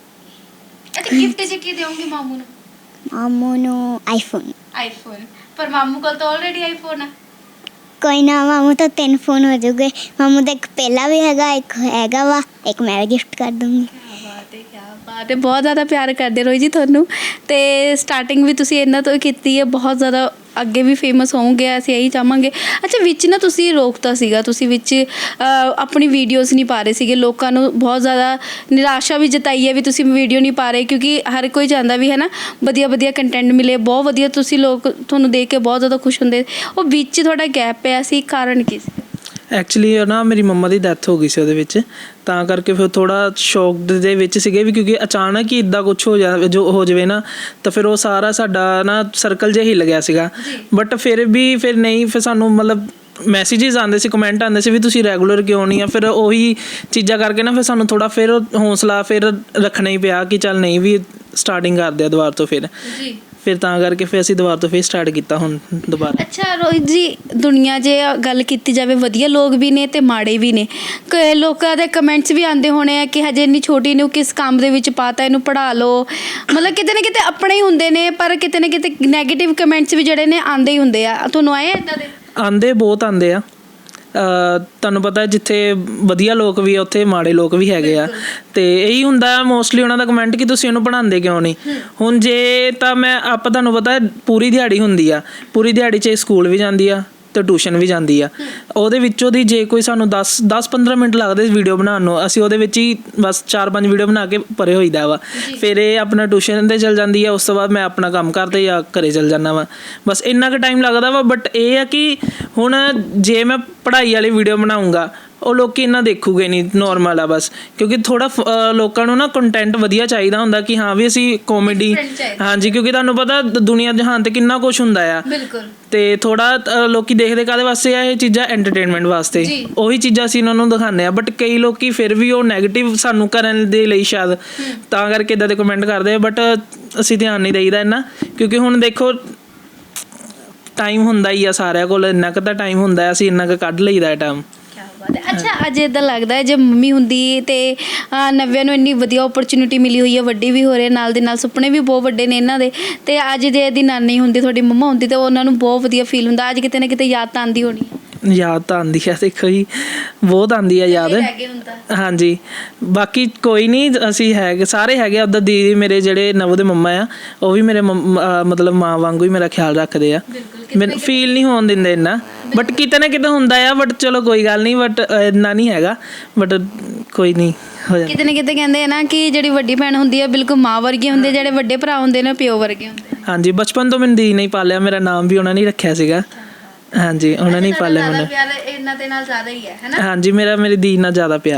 S3: ਅੱਛਾ, ਗਿਫਟ 'ਚ ਕੀ ਦਿਓਗੇ ਮਾਮੂ ਨੂੰ?
S2: ਮਾਮੂ ਨੂੰ ਆਈਫੋਨ।
S3: ਆਈਫੋਨ। ਪਰ ਮਾਮੂ ਕੋਲ ਤਾਂ ਆਲਰੇਡੀ ਆਈਫੋਨ ਆ।
S2: ਕੋਈ ਨਾ, ਮਾਮੂ ਤਾਂ ਤਿੰਨ ਫੋਨ ਹੋ ਜਾਊਗੇ। ਮਾਮੂ ਦਾ ਇੱਕ ਪਹਿਲਾ ਵੀ ਹੈਗਾ, ਇੱਕ ਹੈਗਾ ਵਾ, ਇੱਕ ਮੈਂ ਗਿਫਟ ਕਰ ਦੂੰਗੀ।
S3: ਕਿਆ ਬਾਤ ਹੈ ਕਿਆ ਬਾਤ ਹੈ, ਬਹੁਤ ਜ਼ਿਆਦਾ ਪਿਆਰ ਕਰਦੇ ਰੋਈ ਜੀ ਤੁਹਾਨੂੰ। ਤੇ ਸਟਾਰਟਿੰਗ ਵੀ ਤੁਸੀਂ ਇਹਨਾਂ ਤੋਂ ਕੀਤੀ ਹੈ, ਬਹੁਤ ਜ਼ਿਆਦਾ ਅੱਗੇ ਵੀ ਫੇਮਸ ਹੋਵੋਗੇ, ਅਸੀਂ ਇਹੀ ਚਾਹਾਂਗੇ। ਅੱਛਾ, ਵਿੱਚ ਨਾ ਤੁਸੀਂ ਰੋਕਤਾ ਸੀਗਾ, ਤੁਸੀਂ ਵਿੱਚ ਅਹ, ਆਪਣੀ ਵੀਡੀਓਜ਼ ਨਹੀਂ ਪਾ ਰਹੇ ਸੀਗੇ, ਲੋਕਾਂ ਨੂੰ ਬਹੁਤ ਜ਼ਿਆਦਾ ਨਿਰਾਸ਼ਾ ਵੀ ਜਤਾਈ ਹੈ ਵੀ ਤੁਸੀਂ ਵੀਡੀਓ ਨਹੀਂ ਪਾ ਰਹੇ, ਕਿਉਂਕਿ ਹਰ ਕੋਈ ਚਾਹੁੰਦਾ ਵੀ ਹੈ ਨਾ ਵਧੀਆ ਵਧੀਆ ਕੰਟੈਂਟ ਮਿਲੇ, ਬਹੁਤ ਵਧੀਆ ਤੁਸੀਂ ਲੋਕ ਤੁਹਾਨੂੰ ਦੇਖ ਕੇ ਬਹੁਤ ਜ਼ਿਆਦਾ ਖੁਸ਼ ਹੁੰਦੇ। ਉਹ ਵਿੱਚ ਤੁਹਾਡਾ ਗੈਪ ਪਿਆ ਸੀ, ਕਾਰਨ ਕੀ ਸੀ?
S1: ਐਕਚੁਅਲੀ ਨਾ ਮੇਰੀ ਮੰਮਾ ਦੀ ਡੈਥ ਹੋ ਗਈ ਸੀ ਉਹਦੇ ਵਿੱਚ, ਤਾਂ ਕਰਕੇ ਫਿਰ ਥੋੜਾ ਸ਼ੌਕ ਦੇ ਵਿੱਚ ਸੀਗੇ ਵੀ, ਕਿਉਂਕਿ ਅਚਾਨਕ ਹੀ ਇੱਦਾਂ ਕੁਝ ਹੋ ਜਾ ਜੋ ਹੋ ਜਾਵੇ ਨਾ, ਤਾਂ ਫਿਰ ਉਹ ਸਾਰਾ ਸਾਡਾ ਨਾ ਸਰਕਲ ਜਿਹਾ ਹਿੱਲ ਗਿਆ ਸੀਗਾ। ਬਟ ਫਿਰ ਵੀ ਫਿਰ ਨਹੀਂ ਫਿਰ ਸਾਨੂੰ ਮਤਲਬ ਮੈਸੇजेस ਆਉਂਦੇ ਸੀ, ਕਮੈਂਟ ਆਉਂਦੇ ਸੀ ਵੀ ਤੁਸੀਂ ਰੈਗੂਲਰ ਕਿਉਂ ਨਹੀਂ ਆ। ਫਿਰ ਉਹੀ ਚੀਜ਼ਾਂ ਕਰਕੇ ਨਾ ਫਿਰ ਸਾਨੂੰ ਥੋੜਾ ਫਿਰ ਹੌਸਲਾ ਫਿਰ ਰੱਖਣਾ ਹੀ ਪਿਆ ਕਿ ਚੱਲ ਨਹੀਂ ਵੀ ਸਟਾਰਟਿੰਗ ਕਰਦੇ ਆ ਦੁਬਾਰਾ ਤੋਂ। ਫਿਰ
S3: ਜੀ
S1: ਫਿਰ ਤਾਂ ਕਰਕੇ ਫਿਰ ਅਸੀਂ ਦੁਬਾਰਾ ਤੋਂ ਫਿਰ ਸਟਾਰਟ ਕੀਤਾ ਹੁਣ ਦੁਬਾਰਾ।
S3: ਅੱਛਾ ਰੋਹਿਤ ਜੀ, ਦੁਨੀਆ ਜੇ ਗੱਲ ਕੀਤੀ ਜਾਵੇ, ਵਧੀਆ ਲੋਕ ਵੀ ਨੇ ਤੇ ਮਾੜੇ ਵੀ ਨੇ। ਕ ਲੋਕਾਂ ਦੇ ਕਮੈਂਟਸ ਵੀ ਆਉਂਦੇ ਹੋਣੇ ਆ ਕਿ ਹਜੇ ਇੰਨੀ ਛੋਟੀ ਨੂੰ ਕਿਸ ਕੰਮ ਦੇ ਵਿੱਚ ਪਾਤਾ, ਇਹਨੂੰ ਪੜ੍ਹਾ ਲਓ। ਮਤਲਬ ਕਿਤੇ ਨਾ ਕਿਤੇ ਆਪਣੇ ਹੀ ਹੁੰਦੇ ਨੇ, ਪਰ ਕਿਤੇ ਨਾ ਕਿਤੇ ਨੈਗੇਟਿਵ ਕਮੈਂਟਸ ਵੀ ਜਿਹੜੇ ਨੇ ਆਉਂਦੇ ਹੀ ਹੁੰਦੇ ਆ। ਤੁਹਾਨੂੰ ਆਏ ਇੱਦਾਂ ਦੇ?
S1: ਆਉਂਦੇ ਬਹੁਤ ਆਉਂਦੇ ਆ। ਤੁਹਾਨੂੰ ਪਤਾ ਜਿੱਥੇ ਵਧੀਆ ਲੋਕ ਵੀ ਆ ਉੱਥੇ ਮਾੜੇ ਲੋਕ ਵੀ ਹੈਗੇ ਆ, ਤੇ ਇਹੀ ਹੁੰਦਾ ਮੋਸਟਲੀ ਉਹਨਾਂ ਦਾ ਕਮੈਂਟ ਕਿ ਤੁਸੀਂ ਇਹਨੂੰ ਪੜ੍ਹਾਉਂਦੇ ਕਿਉਂ ਨਹੀਂ। ਹੁਣ ਜੇ ਤਾਂ ਮੈਂ ਆਪਾਂ ਤੁਹਾਨੂੰ ਪਤਾ ਪੂਰੀ ਦਿਹਾੜੀ ਹੁੰਦੀ ਆ, ਪੂਰੀ ਦਿਹਾੜੀ 'ਚ ਸਕੂਲ ਵੀ ਜਾਂਦੀ ਆ ਤੇ ਟਿਊਸ਼ਨ ਵੀ ਜਾਂਦੀ ਆ। ਉਹਦੇ ਵਿੱਚੋਂ ਦੀ ਜੇ ਕੋਈ ਸਾਨੂੰ ਦਸ ਦਸ ਪੰਦਰਾਂ ਮਿੰਟ ਲੱਗਦੇ ਵੀਡੀਓ ਬਣਾਉਣ ਨੂੰ, ਅਸੀਂ ਉਹਦੇ ਵਿੱਚ ਹੀ ਬਸ ਚਾਰ ਪੰਜ ਵੀਡੀਓ ਬਣਾ ਕੇ ਪਰੇ ਹੋਈਦਾ ਵਾ। ਫਿਰ ਇਹ ਆਪਣਾ ਟਿਊਸ਼ਨ 'ਤੇ ਚਲ ਜਾਂਦੀ ਆ, ਉਸ ਤੋਂ ਬਾਅਦ ਮੈਂ ਆਪਣਾ ਕੰਮ ਕਰਦੇ ਜਾਂ ਘਰੇ ਚਲ ਜਾਂਦਾ ਵਾ। ਬਸ ਇੰਨਾ ਕੁ ਟਾਈਮ ਲੱਗਦਾ ਵਾ। ਬਟ ਇਹ ਆ ਕਿ ਹੁਣ ਜੇ ਮੈਂ ਪੜ੍ਹਾਈ ਵਾਲੀ ਵੀਡੀਓ ਬਣਾਊਂਗਾ ਉਹ ਲੋਕੀ ਇੰਨਾ ਦੇਖੂਗੇ ਨਹੀਂ, ਨੋਰਮਲ ਆ ਬਸ। ਕਿਉਂਕਿ ਥੋੜਾ ਲੋਕਾਂ ਨੂੰ ਨਾ ਕੰਟੈਂਟ ਵਧੀਆ ਚਾਹੀਦਾ ਹੁੰਦਾ ਕਿ ਹਾਂ ਵੀ ਅਸੀਂ ਕਾਮੇਡੀ, ਹਾਂਜੀ, ਕਿਉਂਕਿ ਤੁਹਾਨੂੰ ਪਤਾ ਦੁਨੀਆ ਜਹਾਨ ਤੇ ਕਿੰਨਾ ਕੁਛ ਹੁੰਦਾ ਆ।
S3: ਬਿਲਕੁਲ।
S1: ਤੇ ਥੋੜਾ ਲੋਕੀ ਦੇਖਦੇ ਕਾਹਦੇ ਵਾਸਤੇ ਆ, ਇਹ ਚੀਜ਼ਾਂ ਐਂਟਰਟੇਨਮੈਂਟ ਵਾਸਤੇ, ਉਹੀ ਚੀਜ਼ਾਂ ਅਸੀਂ ਉਹਨਾਂ ਨੂੰ ਦਿਖਾਉਂਦੇ ਆ। ਬਟ ਕਈ ਲੋਕੀ ਫਿਰ ਵੀ ਉਹ ਨੈਗੇਟਿਵ ਸਾਨੂੰ ਕਰਨ ਦੇ ਲਈ ਸ਼ਾਇਦ ਤਾਂ ਕਰਕੇ ਇੱਦਾਂ ਦੇ ਕਮੈਂਟ ਕਰਦੇ ਆ। ਬਟ ਅਸੀਂ ਧਿਆਨ ਨਹੀਂ ਦੇਈਦਾ ਇੰਨਾ, ਕਿਉਂਕਿ ਹੁਣ ਦੇਖੋ ਟਾਈਮ ਹੁੰਦਾ ਹੀ ਆ ਸਾਰਿਆਂ ਕੋਲ, ਇੰਨਾ ਕੁ ਤਾਂ ਟਾਈਮ ਹੁੰਦਾ, ਅਸੀਂ ਇੰਨਾ ਕੁ ਕੱਢ ਲਈਦਾ ਟਾਈਮ।
S3: ਅੱਛਾ, ਅੱਜ ਇੱਦਾਂ ਲੱਗਦਾ ਹੈ ਜੇ ਮੰਮੀ ਹੁੰਦੀ ਤੇ ਨਵਿਆਂ ਨੂੰ ਇੰਨੀ ਵਧੀਆ ਓਪਰਚੁਨਿਟੀ ਮਿਲੀ ਹੋਈ ਹੈ, ਵੱਡੀ ਵੀ ਹੋ ਰਹੇ, ਨਾਲ ਦੇ ਨਾਲ ਸੁਪਨੇ ਵੀ ਬਹੁਤ ਵੱਡੇ ਨੇ ਇਹਨਾਂ ਦੇ, ਤੇ ਅੱਜ ਜੇ ਇਹਦੀ ਨਾਨੀ ਹੁੰਦੀ, ਤੁਹਾਡੀ ਮੰਮਾ ਹੁੰਦੀ, ਤਾਂ ਉਹਨਾਂ ਨੂੰ ਬਹੁਤ ਵਧੀਆ ਫੀਲ ਹੁੰਦਾ। ਅੱਜ ਕਿਤੇ ਨਾ ਕਿਤੇ ਯਾਦ ਤਾਂ ਆਉਂਦੀ ਹੋਣੀ ਹੈ।
S1: ਯਾਦ ਤਾਂ ਆਉਂਦੀ ਆ, ਦੇਖੋ ਜੀ ਬਹੁਤ ਆਉਂਦੀ ਆ ਯਾਦ। ਹਾਂਜੀ, ਬਾਕੀ ਕੋਈ ਨਹੀਂ, ਅਸੀਂ ਹੈਗੇ ਸਾਰੇ ਹੈਗੇ। ਉੱਦਾਂ ਦੀਦੀ ਮੇਰੇ ਜਿਹੜੇ ਨਵ ਦੇ ਮੰਮਾ ਆ, ਉਹ ਵੀ ਮੇਰੇ ਮਤਲਬ ਮਾਂ ਵਾਂਗੂ ਹੀ ਮੇਰਾ ਖਿਆਲ ਰੱਖਦੇ ਆ, ਮੈਨੂੰ ਫੀਲ ਨਹੀਂ ਹੋਣ ਦਿੰਦੇ ਇੰਨਾ। ਬਟ ਕਿਤੇ ਨਾ ਕਿਤੇ ਹੁੰਦਾ ਆ, ਬਟ ਚਲੋ ਕੋਈ ਗੱਲ ਨਹੀਂ, ਬਟ ਇੰਨਾ ਨਹੀਂ ਹੈਗਾ, ਬਟ ਕੋਈ ਨਹੀਂ ਹੋ ਜਾਂਦਾ।
S3: ਕਿਤੇ ਨਾ ਕਿਤੇ ਕਹਿੰਦੇ ਆ ਨਾ ਕਿ ਜਿਹੜੀ ਵੱਡੀ ਭੈਣ ਹੁੰਦੀ ਹੈ ਬਿਲਕੁਲ ਮਾਂ ਵਰਗੀ ਹੁੰਦੀ ਹੈ, ਜਿਹੜੇ ਵੱਡੇ ਭਰਾ ਹੁੰਦੇ ਨੇ ਪਿਓ ਵਰਗੇ ਹੁੰਦੇ। ਹਾਂਜੀ,
S1: ਬਚਪਨ ਤੋਂ ਮੈਨੂੰ ਦੀਦੀ ਨੇ ਪਾਲਿਆ, ਮੇਰਾ ਨਾਮ ਵੀ ਉਹਨਾਂ ਨੇ ਰੱਖਿਆ ਸੀਗਾ। ਹਾਂਜੀ, ਉਹਨਾਂ ਨੇ ਪਾਲਿਆ ਮੈਨੂੰ।
S3: ਪਿਆਰ ਇਹਨਾਂ ਦੇ ਨਾਲ ਜ਼ਿਆਦਾ ਹੀ ਹੈ, ਹੈ ਨਾ?
S1: ਹਾਂਜੀ, ਮੇਰਾ ਮੇਰੀ ਦੀਦੀ ਨਾਲ ਜ਼ਿਆਦਾ ਪਿਆਰ ਆ।
S3: ਅੱਛਾ,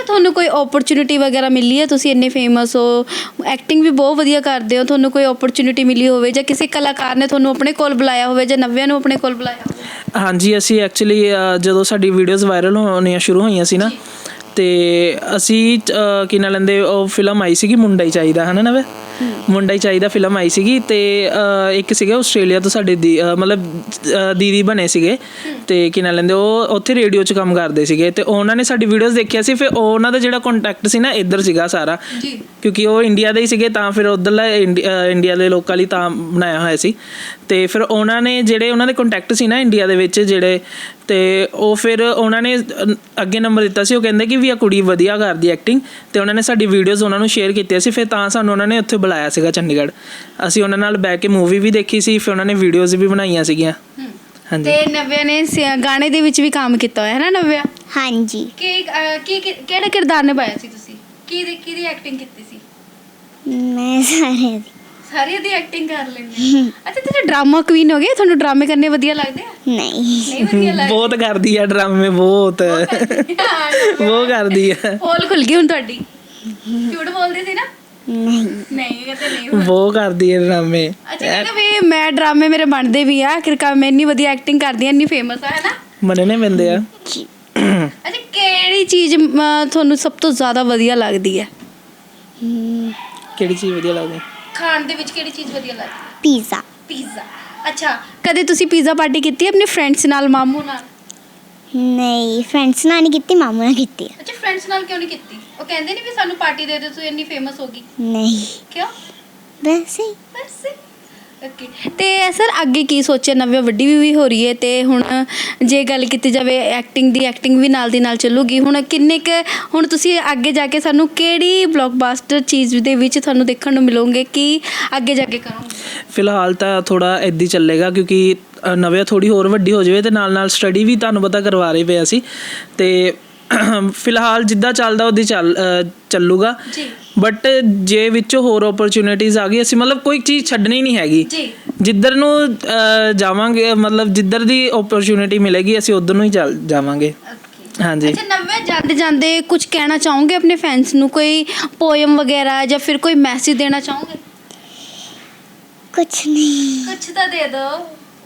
S3: ਤੁਹਾਨੂੰ ਕੋਈ ਓਪਰਚੁਨਿਟੀ ਵਗੈਰਾ ਮਿਲੀ ਹੈ? ਤੁਸੀਂ ਇੰਨੇ ਫੇਮਸ ਹੋ, ਐਕਟਿੰਗ ਵੀ ਬਹੁਤ ਵਧੀਆ ਕਰਦੇ ਹੋ, ਤੁਹਾਨੂੰ ਕੋਈ ਓਪਰਚੁਨਿਟੀ ਮਿਲੀ ਹੋਵੇ ਜਾਂ ਕਿਸੇ ਕਲਾਕਾਰ ਨੇ ਤੁਹਾਨੂੰ ਆਪਣੇ ਕੋਲ ਬੁਲਾਇਆ ਹੋਵੇ ਜਾਂ ਨਵਿਆਂ ਨੂੰ ਆਪਣੇ ਕੋਲ ਬੁਲਾਇਆ ਹੋਵੇ?
S1: ਹਾਂਜੀ, ਅਸੀਂ ਐਕਚੁਅਲੀ ਜਦੋਂ ਸਾਡੀ ਵੀਡੀਓਜ਼ ਵਾਇਰਲ ਹੋਣੀਆਂ ਸ਼ੁਰੂ ਹੋਈਆਂ ਸੀ ਨਾ, ਤੇ ਅਸੀਂ ਅ, ਕੀ ਨਾਂ ਲੈਂਦੇ, ਉਹ ਫਿਲਮ ਆਈ ਸੀਗੀ ਮੁੰਡਾ ਹੀ ਚਾਹੀਦਾ, ਹੈ ਨਾ ਨਵੇਂ ਮੁੰਡਾ ਹੀ ਚਾਹੀਦਾ ਫਿਲਮ ਆਈ ਸੀਗੀ। ਅਤੇ ਇੱਕ ਸੀਗਾ ਆਸਟ੍ਰੇਲੀਆ ਤੋਂ ਸਾਡੇ ਦੀ ਅ, ਮਤਲਬ ਅ, ਦੀਦੀ ਬਣੇ ਸੀਗੇ, ਅਤੇ ਕੀ ਨਾਂ ਲੈਂਦੇ, ਉਹ ਉੱਥੇ ਰੇਡੀਓ 'ਚ ਕੰਮ ਕਰਦੇ ਸੀਗੇ, ਅਤੇ ਉਹਨਾਂ ਨੇ ਸਾਡੀ ਵੀਡੀਓਜ਼ ਦੇਖਿਆ ਸੀ। ਫਿਰ ਉਹਨਾਂ ਦਾ ਜਿਹੜਾ ਕੰਟੈਕਟ ਸੀ ਨਾ ਇੱਧਰ ਸੀਗਾ ਸਾਰਾ, ਕਿਉਂਕਿ ਉਹ ਇੰਡੀਆ ਦੇ ਹੀ ਸੀਗੇ, ਤਾਂ ਫਿਰ ਉੱਧਰਲਾ ਇੰਡੀਆ ਇੰਡੀਆ ਦੇ ਲੋਕਾਂ ਲਈ ਤਾਂ ਬਣਾਇਆ ਹੋਇਆ ਸੀ। ਅਤੇ ਫਿਰ ਉਹਨਾਂ ਨੇ ਜਿਹੜੇ ਉਹਨਾਂ ਦੇ ਕੰਟੈਕਟ ਸੀ ਨਾ ਇੰਡੀਆ ਦੇ ਵਿੱਚ ਜਿਹੜੇ, ਅਤੇ ਉਹ ਫਿਰ ਉਹਨਾਂ ਨੇ ਅੱਗੇ ਨੰਬਰ ਦਿੱਤਾ ਸੀ। ਉਹ ਕਹਿੰਦੇ ਕਿ ਵੀ ਆ ਕੁੜੀ ਵਧੀਆ ਕਰਦੀ ਐਕਟਿੰਗ, ਅਤੇ ਉਹਨਾਂ ਨੇ ਸਾਡੀ ਵੀਡੀਓਜ਼ ਉਹਨਾਂ ਨੂੰ ਸ਼ੇਅਰ ਕੀਤੀਆਂ ਸੀ। ਫਿਰ ਤਾਂ ਸਾਨੂੰ ਉਹਨਾਂ ਨੇ ਉੱਥੇ ਬੁਲਾਇਆ ਸੀਗਾ ਚੰਡੀਗੜ੍ਹ। ਅਸੀਂ ਉਹਨਾਂ ਨਾਲ ਬਹਿ ਕੇ ਮੂਵੀ ਵੀ ਦੇਖੀ ਸੀ, ਫਿਰ ਉਹਨਾਂ ਨੇ ਵੀਡੀਓਜ਼ ਵੀ ਬਣਾਈਆਂ ਸੀਗੀਆਂ। ਹਾਂਜੀ।
S3: ਤੇ ਨਵਿਆ ਨੇ ਸ- ਗਾਣੇ ਦੇ ਵਿੱਚ ਵੀ ਕੰਮ ਕੀਤਾ ਹੋਇਆ ਹੈ ਨਾ ਨਵਿਆ?
S2: ਹਾਂਜੀ।
S3: ਕਿ ਅਹ, ਕੀ ਕੀ- ਕਿਹੜਾ ਕਿਰਦਾਰ ਨਿਭਾਇਆ ਸੀ ਤੁਸੀਂ? ਕਿਹਦੀ ਕਿਹਦੀ ਐਕਟਿੰਗ ਕੀਤੀ ਸੀ?
S2: ਮੈਂ ਸਾਰੇ ਦੀ
S3: ਸਾਰਿਆਂ ਦੀ ਐਕਟਿੰਗ ਕਰ ਲੈਂਦੇ। ਅੱਛਾ, ਤੁਸੀਂ ਡਰਾਮਾ ਕੁਈਨ ਹੋ ਗਏ, ਤੁਹਾਨੂੰ ਡਰਾਮੇ ਕਰਨੇ ਵਧੀਆ ਲੱਗਦੇ ਆ?
S2: ਨਹੀਂ
S3: ਨਹੀਂ ਵਧੀਆ ਲੱਗਦੇ?
S1: ਬਹੁਤ ਕਰਦੀ ਆ ਡਰਾਮੇ, ਬਹੁਤ ਬਹੁਤ ਕਰਦੀ ਆ।
S3: ਪੋਲ ਖੁੱਲ ਗਈ ਹੁਣ ਤੁਹਾਡੀ। ਝੂਠ ਬੋਲਦੀ ਸੀ ਨਾ?
S2: ਨਹੀਂ
S3: ਨਹੀਂ ਕਹਿੰਦੇ ਨਹੀਂ।
S1: ਬਹੁਤ ਕਰਦੀ ਆ ਡਰਾਮੇ।
S3: ਅੱਛਾ, ਕਹਿੰਦੇ ਵੀ ਮੈਂ ਡਰਾਮੇ ਮੇਰੇ ਬਣਦੇ ਵੀ ਆ, ਕਿਰਕਾ ਮੈਂ ਇੰਨੀ ਵਧੀਆ ਐਕਟਿੰਗ ਕਰਦੀ ਆ, ਇੰਨੀ ਫੇਮਸ ਆ, ਹੈ ਨਾ?
S1: ਮੰਨਣੇ ਪੈਂਦੇ ਆ।
S3: ਅੱਛਾ, ਕਿਹੜੀ ਚੀਜ਼ ਅਮ, ਤੁਹਾਨੂੰ ਸਭ ਤੋਂ ਜ਼ਿਆਦਾ ਵਧੀਆ ਲੱਗਦੀ ਹੈ?
S1: ਕਿਹੜੀ ਚੀਜ਼ ਵਧੀਆ ਲੱਗਦੀ?
S3: ਖਾਣ ਦੇ ਵਿੱਚ ਕਿਹੜੀ ਚੀਜ਼ ਵਧੀਆ ਲੱਗਦੀ ਹੈ?
S2: ਪੀਜ਼ਾ।
S3: ਪੀਜ਼ਾ। ਅੱਛਾ, ਕਦੇ ਤੁਸੀਂ ਪੀਜ਼ਾ ਪਾਰਟੀ ਕੀਤੀ ਹੈ ਆਪਣੇ ਫਰੈਂਡਸ ਨਾਲ, ਮਾਮੂ ਨਾਲ?
S2: ਨਹੀਂ, ਫਰੈਂਡਸ ਨਾਲ ਨਹੀਂ ਕੀਤੀ, ਮਾਮੂ ਨਾਲ ਕੀਤੀ ਆ।
S3: ਅੱਛਾ, ਫਰੈਂਡਸ ਨਾਲ ਕਿਉਂ ਨਹੀਂ ਕੀਤੀ? ਉਹ ਕਹਿੰਦੇ ਨਹੀਂ ਵੀ ਸਾਨੂੰ ਪਾਰਟੀ ਦੇ ਦਿਓ, ਤੂੰ ਇੰਨੀ ਫੇਮਸ ਹੋ ਗਈ।
S2: ਨਹੀਂ,
S3: ਕਿਉਂ?
S2: ਵੈਸੇ ਹੀ।
S3: ਵੈਸੇ ਓਕੇ। ਤੇ ਸਰ ਅੱਗੇ ਕੀ ਸੋਚਿਆ? ਨਵੀਂ ਵੱਡੀ ਵੀ ਵੀ ਹੋ ਰਹੀ ਹੈ, ਤੇ ਹੁਣ ਜੇ ਗੱਲ ਕੀਤੀ ਜਾਵੇ ਐਕਟਿੰਗ ਦੀ, ਐਕਟਿੰਗ ਵੀ ਨਾਲ ਦੀ ਨਾਲ ਚੱਲੂਗੀ। ਹੁਣ ਕਿੰਨੇ ਕੁ ਹੁਣ ਤੁਸੀਂ ਅੱਗੇ ਜਾ ਕੇ ਸਾਨੂੰ ਕਿਹੜੀ ਬਲੌਕਬਸਟਰ ਚੀਜ਼ ਦੇ ਵਿੱਚ ਤੁਹਾਨੂੰ ਦੇਖਣ ਨੂੰ ਮਿਲੋਗੇ ਕਿ ਅੱਗੇ ਜਾ ਕੇ ਕਰੋਗੇ?
S1: ਫਿਲਹਾਲ ਤਾਂ ਥੋੜ੍ਹਾ ਇੱਦਾਂ ਹੀ ਚੱਲੇਗਾ, ਕਿਉਂਕਿ ਨਵਿਆ ਥੋੜ੍ਹੀ ਹੋਰ ਵੱਡੀ ਹੋ ਜਾਵੇ, ਅਤੇ ਨਾਲ ਨਾਲ ਸਟੱਡੀ ਵੀ ਤੁਹਾਨੂੰ ਪਤਾ ਕਰਵਾ ਰਹੇ ਪਏ ਅਸੀਂ, ਅਤੇ ਫਿਲਹਾਲ ਜਿੱਦਾਂ ਚੱਲਦਾ ਉਹਦੀ ਚੱਲ ਚੱਲੂਗਾ।
S3: ਜੀ।
S1: ਬਟ ਜੇ ਵਿੱਚੋਂ ਹੋਰ ਓਪਰਚੁਨਿਟੀਜ਼ ਆ ਗਈ, ਅਸੀਂ ਮਤਲਬ ਕੋਈ ਚੀਜ਼ ਛੱਡਣੀ ਨਹੀਂ ਹੈਗੀ।
S3: ਜੀ।
S1: ਜਿੱਧਰ ਨੂੰ ਅ, ਜਾਵਾਂਗੇ, ਮਤਲਬ ਜਿੱਧਰ ਦੀ ਓਪਰਚੁਨਿਟੀ ਮਿਲੇਗੀ ਅਸੀਂ ਉੱਧਰ ਨੂੰ ਹੀ ਚੱਲ ਜਾਵਾਂਗੇ। ਹਾਂਜੀ।
S3: ਅੱਛਾ, ਨਵੇਂ ਜਾਂਦੇ ਜਾਂਦੇ ਕੁਝ ਕਹਿਣਾ ਚਾਹੋਗੇ ਆਪਣੇ ਫੈਨਸ ਨੂੰ? ਕੋਈ ਪੋਇਮ ਵਗੈਰਾ ਜਾਂ ਫਿਰ ਕੋਈ ਮੈਸੇਜ ਦੇਣਾ ਚਾਹੋਗੇ?
S2: ਕੁਛ ਨਹੀਂ।
S3: ਕੁਝ ਤਾਂ ਦੇ ਦਿਓ।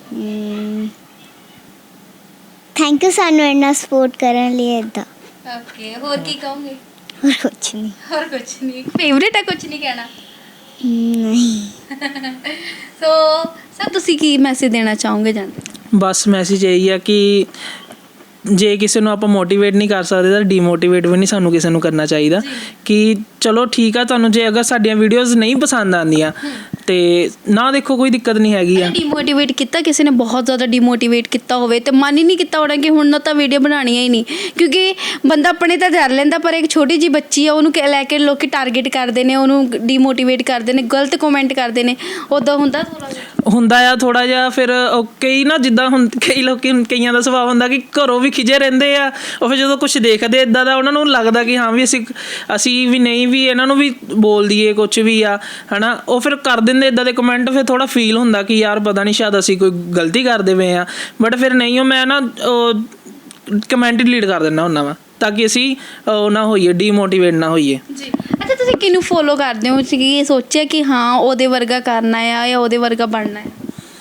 S2: ਥੈਂਕ ਯੂ ਸਾਨੂੰ ਇੰਨਾ ਸਪੋਰਟ ਕਰਨ ਲਈ। ਇੱਦਾਂ
S3: ਓਕੇ, ਹੋਰ ਕੀ ਕਹੋਗੇ?
S2: ਹੋਰ ਕੁਛ ਨਹੀਂ।
S3: ਹੋਰ ਕੁਝ ਨਹੀਂ? ਫੇਵਰੇਟ ਹੈ, ਕੁਝ ਨਹੀਂ ਕਹਿਣਾ?
S2: ਨਹੀਂ।
S3: ਸੋ ਸਰ ਤੁਸੀਂ ਕੀ ਮੈਸੇਜ ਦੇਣਾ ਚਾਹੋਗੇ ਜਾਂਦੇ?
S1: ਬਸ ਮੈਸੇਜ ਇਹੀ ਆ ਕਿ ਜੇ ਕਿਸੇ ਨੂੰ ਆਪਾਂ ਮੋਟੀਵੇਟ ਨਹੀਂ ਕਰ ਸਕਦੇ ਤਾਂ ਡੀਮੋਟੀਵੇਟ ਵੀ ਨਹੀਂ ਸਾਨੂੰ ਕਿਸੇ ਨੂੰ ਕਰਨਾ ਚਾਹੀਦਾ। ਕਿ ਚਲੋ ਠੀਕ ਆ, ਤੁਹਾਨੂੰ ਜੇ ਅਗਰ ਸਾਡੀਆਂ ਵੀਡੀਓਜ਼ ਨਹੀਂ ਪਸੰਦ ਆਉਂਦੀਆਂ ਤੇ ਨਾ ਦੇਖੋ, ਕੋਈ ਦਿੱਕਤ ਨਹੀਂ ਹੈਗੀ ਆ।
S3: ਡੀਮੋਟੀਵੇਟ ਕੀਤਾ ਕਿਸੇ ਨੇ? ਬਹੁਤ ਜ਼ਿਆਦਾ ਡੀਮੋਟੀਵੇਟ ਕੀਤਾ ਹੋਵੇ ਤੇ ਮਨ ਹੀ ਨਹੀਂ ਕੀਤਾ ਹੋਣਾ ਕਿ ਹੁਣ ਨਾ ਤਾਂ ਵੀਡੀਓ ਬਣਾਉਣੀਆਂ ਹੀ ਨਹੀਂ, ਕਿਉਂਕਿ ਬੰਦਾ ਆਪਣੇ ਤਾਂ ਕਰ ਲੈਂਦਾ, ਪਰ ਇੱਕ ਛੋਟੀ ਜਿਹੀ ਬੱਚੀ ਆ ਉਹਨੂੰ ਲੈ ਕੇ ਲੋਕੀ ਟਾਰਗੇਟ ਕਰਦੇ ਨੇ, ਉਹਨੂੰ ਡੀਮੋਟੀਵੇਟ ਕਰਦੇ ਨੇ, ਗਲਤ ਕਮੈਂਟ ਕਰਦੇ ਨੇ। ਉੱਦਾਂ ਹੁੰਦਾ ਥੋੜ੍ਹਾ ਜਿਹਾ?
S1: ਹੁੰਦਾ ਆ ਥੋੜ੍ਹਾ ਜਿਹਾ। ਫਿਰ ਉਹ ਕਈ ਨਾ, ਜਿੱਦਾਂ ਹੁਣ ਕਈ ਲੋਕੀ, ਕਈਆਂ ਦਾ ਸੁਭਾਅ ਹੁੰਦਾ ਕਿ ਘਰੋਂ ਵੀ ਖਿਜੇ ਰਹਿੰਦੇ ਆ, ਉਹ ਫਿਰ ਜਦੋਂ ਕੁਛ ਦੇਖਦੇ ਇੱਦਾਂ ਦਾ ਉਹਨਾਂ ਨੂੰ ਲੱਗਦਾ ਕਿ ਹਾਂ ਵੀ ਅਸੀਂ ਅਸੀਂ ਵੀ ਨਹੀਂ ਵੀ ਇਹਨਾਂ ਨੂੰ ਵੀ ਬੋਲ ਦਈਏ ਕੁਛ ਵੀ ਆ, ਹੈ ਨਾ। ਉਹ ਫਿਰ ਕਰ ਦਿੰਦੇ ਇੱਦਾਂ ਦੇ ਕਮੈਂਟ। ਫਿਰ ਥੋੜ੍ਹਾ ਫੀਲ ਹੁੰਦਾ ਕਿ ਯਾਰ ਪਤਾ ਨਹੀਂ ਸ਼ਾਇਦ ਅਸੀਂ ਕੋਈ ਗਲਤੀ ਕਰਦੇ ਪਏ ਹਾਂ, ਬਟ ਫਿਰ ਨਹੀਂ, ਉਹ ਮੈਂ ਨਾ ਕਮੈਂਟ ਡਿਲੀਟ ਕਰ ਦਿੰਦਾ ਹੁੰਦਾ ਵਾ, ਤਾਂ ਕਿ ਅਸੀਂ ਉਹ ਨਾ ਹੋਈਏ, ਡੀਮੋਟੀਵੇਟ ਨਾ ਹੋਈਏ।
S3: ਜੀ। ਅੱਛਾ, ਤੁਸੀਂ ਕਿਹਨੂੰ ਫੋਲੋ ਕਰਦੇ ਹੋ? ਤੁਸੀਂ ਕੀ ਸੋਚਿਆ ਕਿ ਹਾਂ ਉਹਦੇ ਵਰਗਾ ਕਰਨਾ ਆ ਜਾਂ ਉਹਦੇ ਵਰਗਾ ਬਣਨਾ ਹੈ?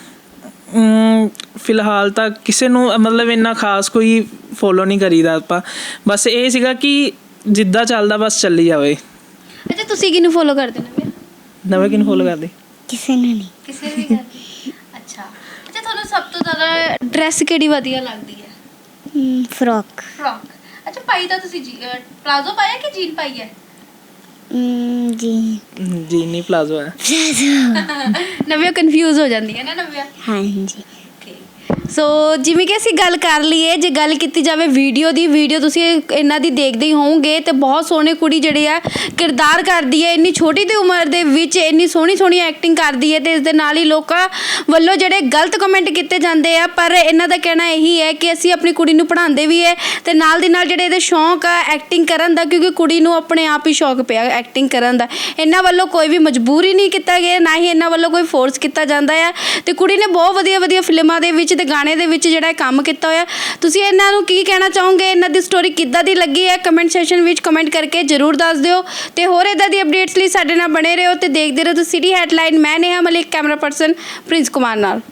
S1: ਫਿਲਹਾਲ ਤਾਂ ਕਿਸੇ ਨੂੰ ਮਤਲਬ ਇੰਨਾ ਖਾਸ ਕੋਈ ਫੋਲੋ ਨਹੀਂ ਕਰੀਦਾ ਆਪਾਂ। ਬਸ ਇਹ ਸੀਗਾ ਕਿ ਜਿੱਦਾਂ ਚੱਲਦਾ ਬਸ ਚੱਲੀ ਜਾਵੇ।
S3: ਅੱਛਾ, ਤੁਸੀਂ ਕਿਹਨੂੰ ਫੋਲੋ ਕਰਦੇ ਨਵੇਂ?
S1: ਨਵੇਂ ਕਿਹਨੂੰ ਫੋਲੋ ਕਰਦੇ?
S2: ਕਿਸੇ ਨੂੰ ਨਹੀਂ।
S3: ਕਿਸੇ ਵੀ ਕਰਦੇ? ਅੱਛਾ। ਅੱਛਾ, ਤੁਹਾਨੂੰ ਸਭ ਤੋਂ ਜ਼ਿਆਦਾ ਡਰੈਸ ਕਿਹੜੀ ਵਧੀਆ ਲੱਗਦੀ ਹੈ?
S2: ਫਰੋਕ।
S3: ਫਰੋਕ। ਅੱਛਾ, ਪਾਈ ਤਾਂ ਤੁਸੀਂ ਪਲਾਜ਼ੋ ਪਾਇਆ ਕਿ ਜੀਨ ਪਾਈ ਹੈ?
S2: ਜੀ
S1: ਜੀ ਨਹੀਂ, ਪਲਾਜ਼ੋ ਹੈ।
S3: ਨਵਿਆ ਕਨਫਿਊਜ਼ ਹੋ ਜਾਂਦੀ ਹੈ ਨਾ ਨਵਿਆ?
S2: ਹਾਂਜੀ।
S3: ਸੋ ਜਿਵੇਂ ਕਿ ਅਸੀਂ ਗੱਲ ਕਰ ਲਈਏ, ਜੇ ਗੱਲ ਕੀਤੀ ਜਾਵੇ ਵੀਡੀਓ ਦੀ, ਵੀਡੀਓ ਤੁਸੀਂ ਇਹਨਾਂ ਦੀ ਦੇਖਦੇ ਹੀ ਹੋਵੋਗੇ ਤੇ ਬਹੁਤ ਸੋਹਣੀ ਕੁੜੀ ਜਿਹੜੀ ਆ ਕਿਰਦਾਰ ਕਰਦੀ ਹੈ, ਇੰਨੀ ਛੋਟੀ ਦੀ ਉਮਰ ਦੇ ਵਿੱਚ ਇੰਨੀ ਸੋਹਣੀ ਸੋਹਣੀ ਐਕਟਿੰਗ ਕਰਦੀ ਹੈ, ਤੇ ਇਸ ਦੇ ਨਾਲ ਹੀ ਲੋਕਾਂ ਵੱਲੋਂ ਜਿਹੜੇ ਗਲਤ ਕਮੈਂਟ ਕੀਤੇ ਜਾਂਦੇ ਆ, ਪਰ ਇਹਨਾਂ ਦਾ ਕਹਿਣਾ ਇਹੀ ਹੈ ਕਿ ਅਸੀਂ ਆਪਣੀ ਕੁੜੀ ਨੂੰ ਪੜ੍ਹਾਉਂਦੇ ਵੀ ਹੈ ਤੇ ਨਾਲ ਦੀ ਨਾਲ ਜਿਹੜੇ ਇਹਦੇ ਸ਼ੌਂਕ ਆ ਐਕਟਿੰਗ ਕਰਨ ਦਾ, ਕਿਉਂਕਿ ਕੁੜੀ ਨੂੰ ਆਪਣੇ ਆਪ ਹੀ ਸ਼ੌਂਕ ਪਿਆ ਐਕਟਿੰਗ ਕਰਨ ਦਾ। ਇਹਨਾਂ ਵੱਲੋਂ ਕੋਈ ਵੀ ਮਜਬੂਰੀ ਨਹੀਂ ਕੀਤਾ ਗਿਆ, ਨਾ ਹੀ ਇਹਨਾਂ ਵੱਲੋਂ ਕੋਈ ਫੋਰਸ ਕੀਤਾ ਜਾਂਦਾ ਆ, ਤੇ ਕੁੜੀ ਨੇ ਬਹੁਤ ਵਧੀਆ ਵਧੀਆ ਫਿਲਮਾਂ ਦੇ ਵਿੱਚ ਤੇ ਗਾਣੇ ਦੇ ਵਿੱਚ ਜਿਹੜਾ ਇਹ ਕੰਮ ਕੀਤਾ ਹੋਇਆ। ਤੁਸੀਂ ਇਹਨਾਂ ਨੂੰ ਕੀ ਕਹਿਣਾ ਚਾਹੋਗੇ, ਇਹਨਾਂ ਦੀ ਸਟੋਰੀ ਕਿੱਦਾਂ ਦੀ ਲੱਗੀ ਹੈ, ਕਮੈਂਟ ਸੈਸ਼ਨ ਵਿੱਚ ਕਮੈਂਟ ਕਰਕੇ ਜ਼ਰੂਰ ਦੱਸ ਦਿਓ। ਤੇ ਹੋਰ ਇੱਦਾਂ ਦੀ ਅਪਡੇਟਸ ਲਈ ਸਾਡੇ ਨਾਲ ਬਣੇ ਰਹੋ ਤੇ ਦੇਖਦੇ ਰਹੋ ਤੁਸੀਂ ਸਿਟੀ ਹੈਡਲਾਈਨ। ਮੈਂ Neha Malik, camera person Prince Kumar ਨਾਲ।